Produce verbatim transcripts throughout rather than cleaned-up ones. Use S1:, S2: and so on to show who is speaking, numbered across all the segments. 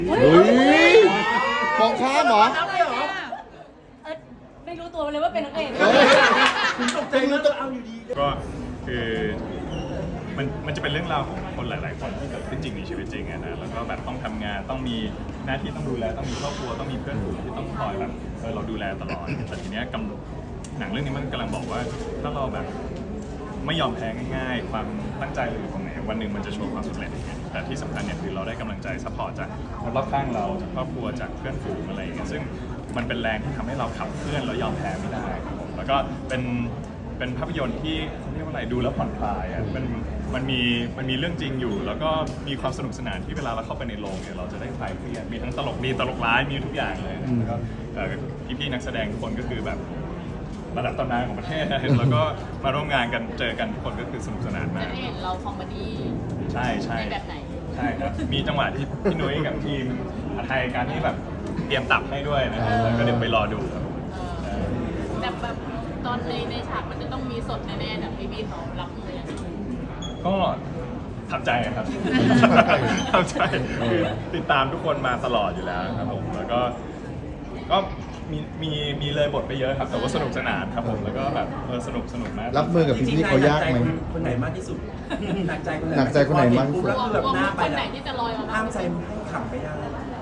S1: เฮ้ยมองข้ามเหรอ
S2: เออไม่รู้ตัวเลยว่าเป็นนักเอก
S1: คุณตกใจรู้ตัวเอาอยู่ดี
S3: ก็คือมันมันจะเป็นเรื่องราวของคนหลาย ๆ คนที่เกิดขึ้นจริงในชีวิตจริงอะนะแล้วก็แบบต้องทำงานต้องมีหน้าที่ต้องดูแลต้องมีครอบครัวต้องมีเพื่อนฝูงที่ต้องคอยแบบเออเราดูแลตลอดแต่ทีเนี้ยกำหนังเรื่องนี้มันกำลังบอกว่าถ้าเราแบบไม่ยอมแพ้ง่าย ๆ ความตั้งใจเราอยู่ตรงไหนวันหนึ่งมันจะโชว์ความสำเร็จแต่ที่สำคัญเนี่ยคือเราได้กำลังใจซัพพอร์ตจากคนรอบข้างเราจากครอบครัวจากเพื่อนฝูงอะไรอย่างเงี้ยซึ่งมันเป็นแรงที่ทำให้เราขับเคลื่อนแล้วยอมแพ้ไม่ได้ครับผมแล้วก็เป็นเป็นภาพยนตร์ที่เขาเรียกว่าอะไรดูแล้วผ่อนคลายอ่ะมันมันมีมันมีเรื่องจริงอยู่ แล้วก็มีความสนุกสนานที่เวลาเราเข้าไปในโรงเนี่ยเราจะได้คลายเครียดมีทั้งตลกมีตลกร้ายมีทุกอย่างเลยแล้วก็พี่ๆนักแสดงทุกคนก็คือแบบระดับตำนานของประเทศนะแล้วก็มาร่วมงานกันเจอกันทุกคนก็คือสนุกสนานมาก
S2: จะได้เห็นเราคอมเมดี้
S3: ใช่ใช่
S2: ในแบบไหน
S3: ใช่ครับมีจังหวะที่พี่นุ้ยกับทีมอาไทยการที่แบบเตรียมตับให้ด้วยนะครับแล้วก็เดี๋ยวไปรอดูครับ
S2: เออแบบแบบตอนในในฉากมันจะต้องมีสดแน่ๆแบบพี่พี่เขารับมือยังไง
S3: ก็ทำใจครับ ทำใจคือติดตามทุกคนมาตลอดอยู่แล้วครับผมแล้วก็ก็มีมีมีเลยบทไปเยอะครับแต่ว่าสนุกสนานครับผมแล้วก็แบบเออสนุกสนุกมาก
S1: รับมือกับพี่ๆเขายากไหม
S4: คนไหนมากที่สุดหนักใจคนไหน
S1: หนักใจคนไหนมากที่สุด
S4: แล้วคือแบบหน้าไป
S2: คนไหน
S4: แล้ว
S2: ที่จะลอยมาบ้า
S4: ห้าง มใจให้ขำไปยัง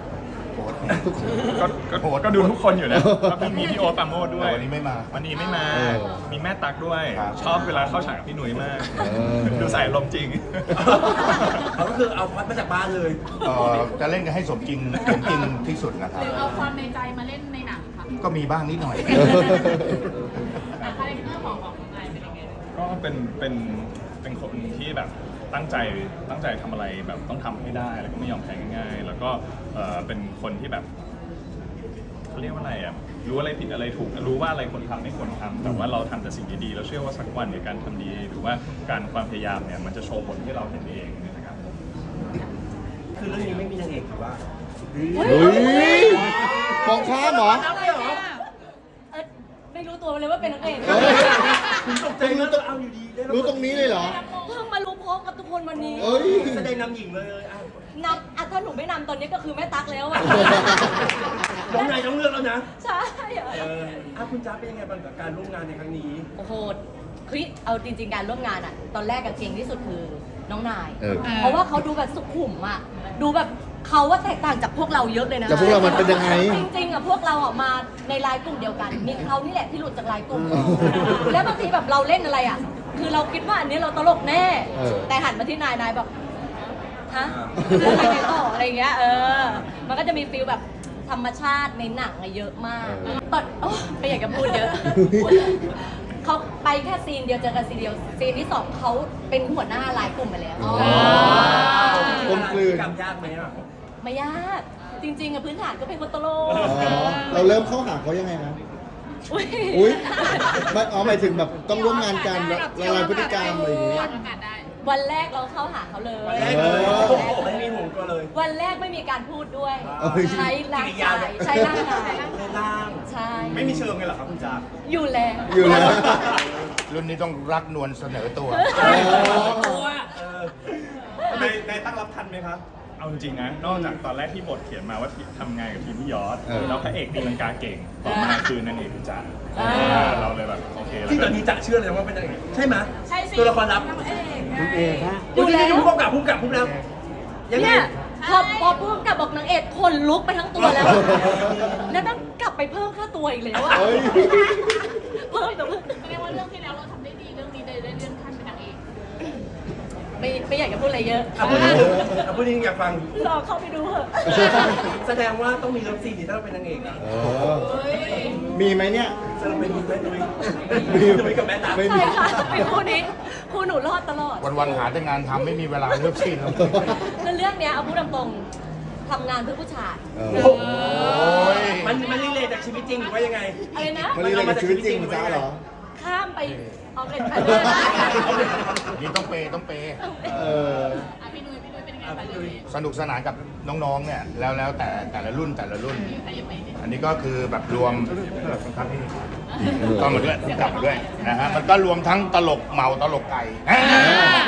S3: ก็ก็ก็ดูทุกคนอยู่นะก็มีพี่โอ๊ตปราโมชด้วย
S1: วันนี้ไม่มา
S3: วันนี้ไม่มา
S1: เออ
S3: มีแม่ตั๊กด้วย
S1: ครับ
S3: ชอบเวลาเข้าฉากกับพี่หนุ่ยมาก
S1: เออ
S3: ดูใส่ลมณ์จริง
S4: เขาก็คือเอาพัดมาจากบ้านเลย
S5: เอ่อจะเล่นกันให้สมจริงสมจริงที่สุดนะค
S2: ห
S5: รับ
S2: รือเอาความในใจมาเล่นในหนังค่ะ
S5: ก็มีบ้างนิดหน่อย
S2: แต่คาแรคเตอร์ของของนายเป็นยังไง
S3: ก็เป็นเป็นเป็นคนที่แบบตั้งใจตั้งใจทำอะไรแบบต้องทำให้ได้แล้วก็ไม่ยอมแพ้ง่ายๆ แล้วก็เอ่อเป็นคนที่แบบเขาเรียกว่าอะไรอ่ะรู้อะไรผิดอะไรถูกรู้ว่าอะไรควรทำไม่ควรทำแต่ว่าเราทำแต่สิ่งดีๆแล้วเชื่อว่าสักวันเนี่ยการทำดีหรือว่าการความพยายามเนี่ยมันจะโชว์ผลที่เราเห็นเองนะครับ
S4: คือเรื่องนี้ไม่มีนางเอกหรือว่า
S1: เฮ้ยมองข้ามเหรอ
S2: เออไม่รู้ตัวเลยว่าเป็นนักเอก
S1: เฮ้ย
S4: คุณตกใจรู้ตัวเอาอยู่ดีได้
S1: รู้ตรงนี้เลยเหรอ
S2: เพิ่งมารู้พร้อมกับทุกคนวันนี้
S1: เอ้ย
S4: แสดงนำหญิงเลยอ่ะ
S2: นำอ่ะถ้าหนูไม่นำตอนนี้ก็คือแม่ตั๊กแล้วอ่ะ
S4: น้องนายต้องเลือกแล้วนะ
S2: ใช่เหรอ
S4: เอออ่ะคุณจ้าเป็นยังไงบ้างกับการร่วมงานในครั้งนี้
S2: โอ้โหคือเอาจริงๆการร่วมงานอ่ะ ตอนแรกกับเก่งที่สุดคือน้องนาย
S1: เออ
S2: เพราะว่าเขาดูแบบสุขุมอ่ะ ดูแบบเขาว่าแตกต่างจากพวกเราเยอะเลยนะ
S1: แต่พวกเรามันเป็นยังไง
S2: จริงๆอ่ะพวกเราอ่ะมาในไลน์กลุ่มเดียวกัน มีเขานี่แหละที่หลุดจากไลน์กลุ่ม แล้วบางทีแบบเราเล่นอะไรอ่ะ คือเราคิดว่าอันนี้เราตลกแน่
S1: เออ
S2: แต่หันมาที่นายนายแบบฮะแล้วอะไรกันต่ออะไรเงี้ยเออ มันก็จะมีฟีลแบบธรรมชาติในหนังอะเยอะมากตอนโอ้ไม่อยากจะพูดเยอะ เขาไปแค่ซีนเดียวเจอกันซีนเดียวซีนที่สองเขาเป็นหัวหน้าไลน์กลุ่มไปแล้ว
S1: กลมกลืน
S4: กำยากไหมอ่ะ
S2: ไม่ยากจริงๆอะพื้นฐานก็เป็นคนตลก
S1: อ๋อเราเริ่มเข้าหาเขายังไงนะ
S2: อุ้ย
S1: อุ้ยไม่อ๋อหมายถึงแบบต้องร่วมงานกันละลายพฤติกรรมอะไรอย่างเงี้ย
S2: วันแรกเราเข้าหาเขาเลย
S4: วันแรก
S1: เออ
S4: โอ้โหไม่มีห่วงตัวเลย
S2: วันแรกไม่มีการพูดด้วย
S1: เอ้ย
S2: ใช้ร่างกายใช้ร่างกาย
S4: ในร่าง
S2: ใช่
S3: ไม่มีเชิงเลยเหรอครับคุณจ๊า
S2: อยู่แล้ว
S1: อยู่แล้ว
S5: รุ่นนี้ต้องรักนวลเสนอตัว
S4: ตัวเออ
S3: ในในตั้งรับทันไหมครับ เอาจริงๆนะ นอกจากตอนแรกที่บทเขียนมาว่าทำงานกับทีมพี่ยอด
S1: เออ
S3: แล้วพระเอกตีลังกาเก่งต่อมาคือนางเอกคุณจ๊า
S2: อ่า
S3: เราเลยแบบโอเคแล้ว
S4: ที่ตอนนี้จะเชื่อเลยว่าเป็นนางเอกใช่ไหม
S2: ใช่สิ
S4: ตัวละครลับ
S2: อยู่แล้ว
S4: ผู้กำกับผู้กำกับผู้แล้วยังไง
S2: เนี่ยพอพอพูดกับบอกนางเอกคนลุกไปทั้งตัวแล้ว แล้วต้องกลับไปเพิ่มค่าตัวอีกแล้วอะ
S1: เฮ้ย
S2: เพิ่มแต่เพิ่มแสดงว่าเรื่องที่แล้วเราทำได้ดีเรื่องนี้ได้เลื่อนขั้นเป็นนางเอกไม่ไม่อยากจะพูดอะไรเยอะ
S4: อ่ะพูดจริงอ่ะพูดจริงอยากฟัง
S2: รอเข้าไปดูเถอะ
S4: แสดงว่าต้องมีเลิฟซีนที่ถ้าเราเป็นนางเอกอ่ะ
S1: เออมีไหมเนี่ย
S4: จะเราเป็นแม่นุ้ย
S1: มี
S4: นุ้ยกับแม่ตา
S1: ไม่
S2: ใช่ค่ะเป็นคู่นี้คู่หนูรอดตลอด
S5: วันๆหาแต่งานทำไม่มีเวลาเลือกซีนแล้ว
S2: แล้วเรื่องเนี้ยเอาพูดตรงๆทำงานเพื่อผู้ชาย
S1: เออ
S4: โอ้โห
S5: ย
S4: มันมันรีเลทจากชีวิตจริงหรือว่ายังไง
S2: อะไรนะ
S1: มันเรียนกับชีวิตจริงมันจ้าเหรอ
S2: ข้ามไปเอาเป็นไปด้วย
S5: นี่ต้องเปย์ต้องเปย์
S1: เออ
S2: อ่ะพี่นุ้ยพี่นุ้ยเป็นยังไง
S4: อ่ะ
S2: บ้าง
S4: พี่นุ้ย
S5: สนุกสนานกับน้องๆ เนี่ยแล้วแล้วแต่แต่ละรุ่นแต่ละรุ่น อันนี้ก็คือแบบรวมครับพี่ก็มาด้วยกลับมาด้วยนะฮะมันก็รวมทั้งตลกเมาตลกไก่
S4: ต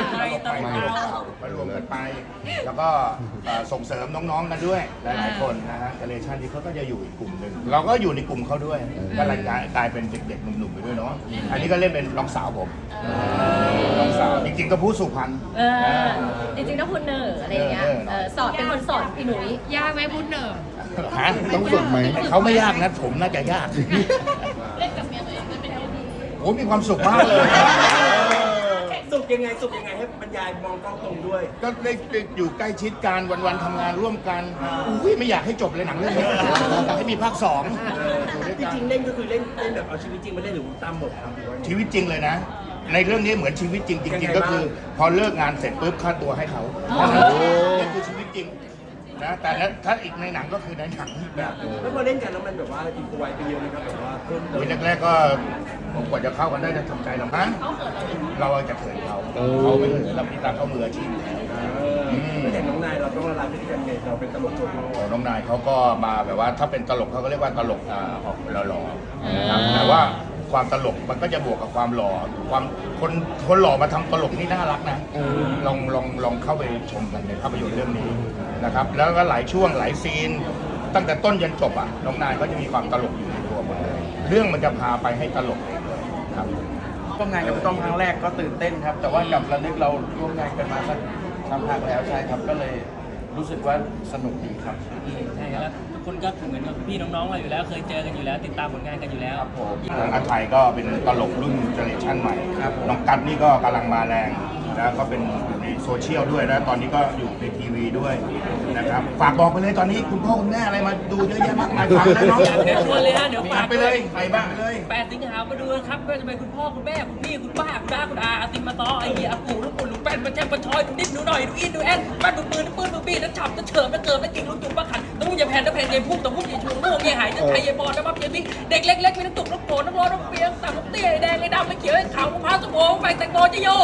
S5: ไปมารวมกันไป แล้วก็เอ่อส่งเสริมน้องๆกันด้วยหลายๆคนนะฮะเจเนอเรชันนี้เขาก็จะอยู่อีกกลุ่มหนึ่งเราก็อยู่ในกลุ่มเขาด้วยก็เลยกลายเป็นเด็กๆหนุ่มๆไปด้วยเนาะอันนี้ก็เล่นเป็นน้องสาวผมน้องสาวจริงๆก็ผู้สุพรรณ
S2: เออจริงๆต้องคุณเนอร์อะไรอย่างเงี้ยเออสอนเป็นคนสอนพี่หนุ่ย
S6: ยากไหมพูดเหนอ
S5: ฮะ
S1: ต้องฝึกไหม
S5: เขาไม่ยากนะผมน่าจะยาก
S6: เล่นกับเมียตัวเองมันเป็นเอลดี
S5: โอ้มีความสุขมากเลย
S4: สุขยังไงสุขยังไงให้บรรยายมองกล้องตรงด้วย
S5: ก็ได้อยู่ใกล้ชิดกันวันๆทำงานร่วมกันอุ้ยไม่อยากให้จบเลยหนังเรื่องนี้อยากให้มีภาคสอง
S4: จริงๆเล่นก็คือเล่นเล่นแบบเอาชีวิตจริงมาเล่นหรือตามบทครับหรือว่าไง
S5: ชีวิตจริงเลยนะ ในเรื่องนี้เหมือนชีวิตจริงจ
S4: ยัง
S5: ริง
S4: ไง
S5: ๆ ก็คือ พอเลิกงานเสร็จปุ๊บค่าตัวให้เขานี่คือชีวิตจริงนะแต่ถ้าอีกในหนังก็คือในหนังแบบนึง
S4: แล้วพอเล่นกันแล้วมันแบบว่าอินพไวไปเยอะไหมครับแบบว่าเพิ่มเติ
S5: โอ้
S4: ม
S5: ยแรกๆก็ผมกว่าจะเข้ากันได้จะทำใจลำพังเราจะเขินเขา
S1: เออ
S5: เขาไม่เขินเราพี่ตาเขามืออาชีพอยู่แล้ว
S4: แล้วอย่างน้องนายเราต้องละลายพฤติกรรมไงเราเป็นตลกโชว์
S5: โอ้น้องนายเขาก็มาแบบว่าถ้าเป็นตลกเขาก็เรียกว่าตลกอ่าออกหล่อๆนะครับแต่ว่าความตลกมันก็จะบวกกับความหล่อความคนคนหล่อมาทำตลกนี่น่ารักนะลองลองลองเข้าไปชมกันในภาพยนตร์เรื่องนี้นะครับแล้วก็หลายช่วงหลายซีน ตั้งแต่ต้นยันจบอ่ะน้องนายก็จะมีความตลกอยู่ในตัวหมดเลยเรื่องมันจะพาไปให้ตลกเองเลยครับ
S7: ร่วมงานกับพี่ต้อมครั้งแรกก็ตื่นเต้นครับ แต่ว่ากับระลึกเราร่วมงานกันมาสักสักพักแล้วใช่ครับ ก็เลยรู้สึกว่าสนุกดีครับ
S8: ใช่ครับแล้วทุกคนก็เหมือนกับพี่น้องๆเราอยู่แล้วเคยเจอกันอยู่แล้ว ติดตามผลงานกันอยู่แล้ว
S7: ครับผม
S5: ทางอาไทยก็เป็นตลกรุ่นเจเนอเรชั่นใหม่
S7: ครับ
S5: น้องกัดนี่ก็กำลังมาแรงนะก็เป็นอยู่ในโซเชียลด้วยนะตอนนี้ก็อยู่ในทีวีด้วยนะครับฝากบอกไปเลยตอนนี้คุณพ่อคุณแม่อะไรมาดูเยอะแยะมากมายฟังแล้วเนาะ
S8: เดี๋ยวชวนเลยฮะเดี๋ยวฝาก
S5: ไปเลยไปบ้างไปเลย
S8: แปดสิงหามาดูกันครับก็จะเป็นคุณพ่อคุณแม่คุณพี่คุณป้าคุณน้าคุณอาอาติมมาตอไอเหี้ยอากูลูกปุ่นลูกแป้นมาแจ้งมาชอยดูนิดดูหน่อยดูอินดูแอนบ้านดูปืนดูปืนดูปีนนั่นฉับนั่นเฉิมนั่นเกิมนั่นกิ่งลูกจุ่มปะขันต้องอย่าแผ่นต้องแผ่นยายพุ่งต้องพุ่งยายชูต้องพุ่งยายหายจะไทยยายบอลน้ำมันยายบิ๊กเด็กเล็กๆมีน้ำตุกน้ำโกน้ำร้อนน้ำเปียกต่ำน้ำเตี้ยแดงไอ้ดำไอ้เขียวไอ้ขาวมะพร้าวส้มโอแฝงแตงโมจะโย่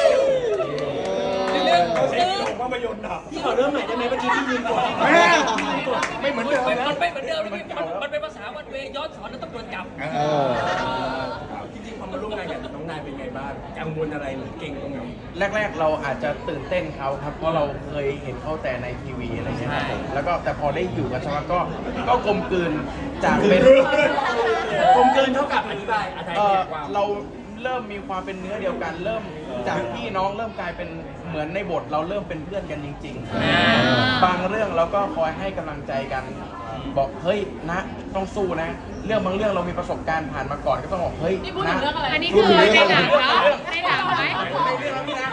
S8: เรื่องซื้อ
S4: ภาพยนตร์อ่ะพี่ขอเริ่มใหม่ได้ไหมเมื่อกี้ที่ยืนกด
S5: แม่ไม่เหมือนเดิมนะ
S8: มันไม่เหมือนเดิมนะพี่มันมันเป็นภาษาวันเวย้อนสอนแล้วต้องโดนจับ
S1: เออ
S4: จริงๆพอมาร่วมงานกับน้องนายเป็นไงบ้างกังวลอะไรหรือเก่งตรงไหน
S7: แรกๆเราอาจจะตื่นเต้นเขาครับ เพราะเราเคยเห็นเขาแต่ในทีวีอะไรเงี้ยครับผมแล้วก็แต่พอได้อยู่กับชาวก็ก็กลมกลืนจากเป็น
S4: กลมกลืนเท่ากับอธิบายอธิ
S7: เอ่
S4: บา
S7: อย
S4: ความ
S7: เราเริ่มมีความเป็นเนื้อเดียวกัน เริ่มจากพี่น้องเริ่มกลายเป็นเหมือนในบทเราเริ่มเป็นเพื่อนกันจริงๆ บางเรื่องเราก็คอยให้กำลังใจกัน บอกเฮ้ยนะต้องสู้นะ เรื่องบางเรื่องเรามีประสบการณ์ผ่านมาก่อนก็ต้องบอกเฮ้ย
S6: นี่พูดถึ
S7: นะ
S6: งเรื่องอะไร อันนี้คือในหนังเหรอในหนังไหม
S7: ในเรื่องแล้วพี่นะ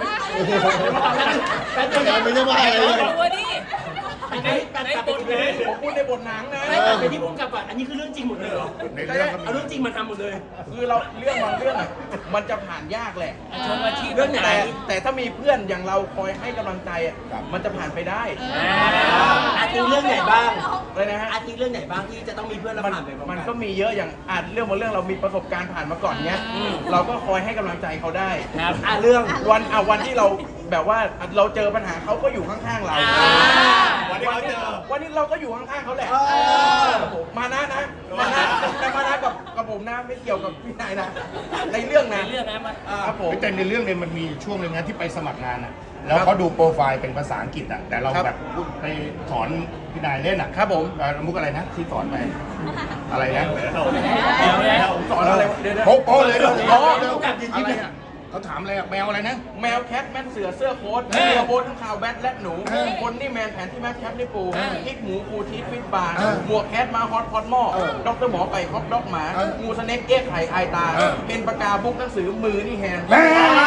S4: แป๊บเดียวนะ
S1: ไม่ใช่ว่าอะไรเลย
S8: ตัวนี้
S4: อันนี้แป๊บเดียวเป็นเลย
S7: ผมพูดในบทหนังนะ
S4: ไม่กลับไปที่พุ่งกลับก่อนอันนี้คือเรื่องจริงหมดเลยเหรอ
S5: ในเรื่องก็
S4: เอา
S5: มี
S4: เรื่องจริงมาทำหมดเลย
S7: คือเราเรื่องบางเรื่องอะมันจะผ่านยากแหละ
S8: ชมอาชีพ
S4: เรื่องไหน
S7: แต่แต่ถ้ามีเพื่อนอย่างเราคอยให้กำลังใจอะมันจะผ่านไปได้
S4: อาทิเรื่องไหนบ้าง
S7: เลยนะฮะ
S4: อาทิเรื่องไหนบ้างที่จะต้องมีเพื่อนเรา
S7: มัน
S4: ผ่านไปบ้าง
S7: มันก็มีเยอะอย่างอาจเรื่องบางเรื่องเรามีประสบการณ์ผ่านมาก่อนเนี้ยเราก็คอยให้กำลังใจเขาได้
S8: ครับ
S4: อ่ะเรื่อง
S7: วันอ่ะวันที่เราแบบว่าเราเจอปัญหาเขาก็อยู่ข้างๆเรา
S4: วันที่เขาเจอ
S7: วันนี้เราก็อยู่ข้างๆเขาแหละครับผมมานะนะมานะแต่มานะกับกับผมนะไม่เกี่ยวกับพี่นายนะในเรื่องนะ
S8: ในเรื่องนะมัน
S7: ครับผม
S5: แต่ในเรื่องเนี่ยมันมีช่วงหนึ่งนะที่ไปสมัครงานอ่ะแล้วเขาดูโปรไฟล์เป็นภาษาอังกฤษอ่ะแต่เรา
S7: ครับ
S5: แบบพูดไปสอนพี่นายเล่นอ่ะ
S7: ครับผม
S5: เอ่อมุกอะไรนะที่สอนไปอะไรนะ
S7: สอนอะไรเดี๋ยวๆ
S5: โป๊ะโป๊ะเลยเดี๋ยว
S7: อ๋อ
S5: เดี๋ยวอะไรอ่ะเขาถามอะไรอ่ะแมวอะไรนะ
S7: แมวแคทแมนเสือเสื้อโค้ท
S5: เออ
S7: เสื้อโค้ททั้งข่าวแบทและหนู
S5: เออ
S7: คนนี่แมนแผนที่แมทแคปนี่ปู
S5: เออ
S7: พริกหมูปูทีฟิตบาร์
S5: เออ
S7: หมวกแคทมาฮอตพอตหม้อ
S5: เออ
S7: ด็อกเตอร์หมอไปฮอตด็อกหมา
S5: เออ
S7: งูสเน็กเอ็กไข่ไอตา
S5: เออ
S7: เป็นปากกาบุกหนังสือมือนี่แฮนด์
S5: แม่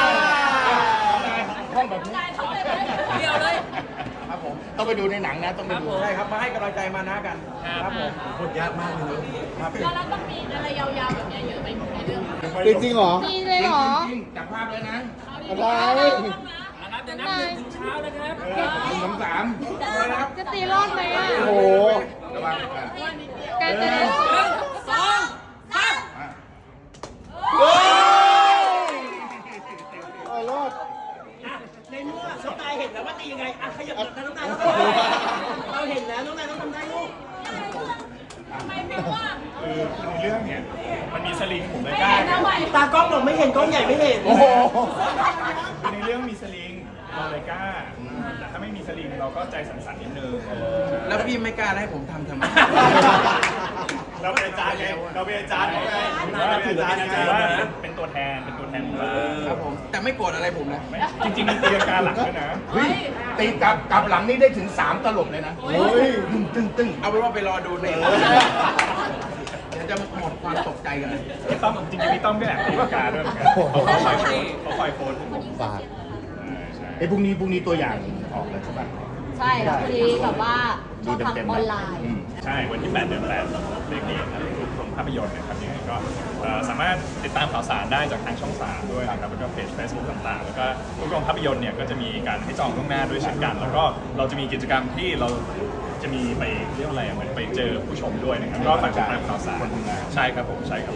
S5: ห้องแบบนี้
S8: เดียวเลย
S7: ครับผม
S5: ต้องไปดูในหนังนะต้องไปดู
S7: ใช่ครับมาให้กำลังใจมานะกัน
S8: ครับ
S7: ผม
S4: บทยากมากเลย
S7: ครับ
S6: แล้วเราต้องมีอะไรยาวๆแบบนี้เยอะไปในเรื่อง
S1: จริงจริงๆเหรอ
S6: มีเลยเหรอ
S5: จริงๆจับภาพเลยนะ
S1: อะไร
S8: นับเดี๋ยวนับหนึ่งถึงเช้านะครับ
S5: หนึ่งสองสาม
S6: จะตีรอดไหมอ่ะ
S1: โอ้โห
S5: ระวังอ่ะ
S6: ไกลจะได้
S8: หนึ่งสองสาม
S5: อ่ะ
S1: โอ้ยรอด
S4: ในเมื่อน้องนายเห็นแล้วว่าตียังไงอ่ะขยับหลังน้องนายเราเห็นแล้วน้องนายต้องทำได้ลูก
S3: คือในเรื่องเนี่ยมันมีสลิงผมเลยกล้า
S4: ตากล้องบอกไม่เห็นกล้องใหญ่ไม่เห็น
S5: โอ้โห
S3: คือในเรื่องมีสลิงกล้าแต่ถ้าไม่มีสลิงเราก็ใจสั่นๆนิดนึง
S7: แล้วพี่ไม่กล้าให้ผมทำทำไม
S3: เราเป็นอาจารย์ไงเราเป็นอาจารย์ไงเราเป็นอาจารย์ไงว่าเป็นตัวแทนเป็นตัวแทนของเรา
S7: ครับผม แต่ไม่โกรธอะไรผมนะ
S3: จริงๆมีตีลังกาหลังด้วยนะ
S5: เฮ้ยตีกลับกลับหลังนี่ได้ถึงสามตลบเลยนะ
S1: เฮ้ย
S5: ตึ้งตึ้งตึ้ง
S7: เอาเป็นว่าไปรอดูในเดี๋ยวจะหมดความตกใจกัน
S3: พี่ต้อมจริงๆพี่ต้อมก็แอบตีลังกาด้วยเหมือนกันเขาคอยโพสเขาคอยโพส
S1: ฝาก
S3: ใช่
S5: ไอ้พรุ่งนี้พรุ่งนี้ตัวอย่างออกแล้วใช่ปะ
S2: ใช่ค่ะพอดีแบบว่าช่องทางออนไลน์
S5: อืม
S3: ใช่วันที่แปดเดือนแปดเรื่องนี้ครับโรงภาพยนตร์นะครับยังไงก็เอ่อสามารถติดตามข่าวสารได้จากทางช่องสามด้วยนะครับแล้วก็เพจ Facebook ต่างๆ แล้วก็ทุกโรงภาพยนตร์เนี่ยก็จะมีการให้จองล่วงหน้าด้วยเช่นกัน แล้วก็เราจะมีกิจกรรมที่เราจะมีไปเรียกว่าอะไรอ่ะเหมือนไปเจอผู้ชมด้วยนะครับก็ฝากติดตามข่าวสารใช่ครับผมใช่ครับ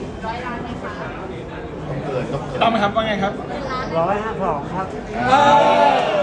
S5: ต้องเกินต้องเกิน
S3: ต้องไหมครับว่าไงครับ
S4: ร้อยห้าสองครับ
S5: อ่า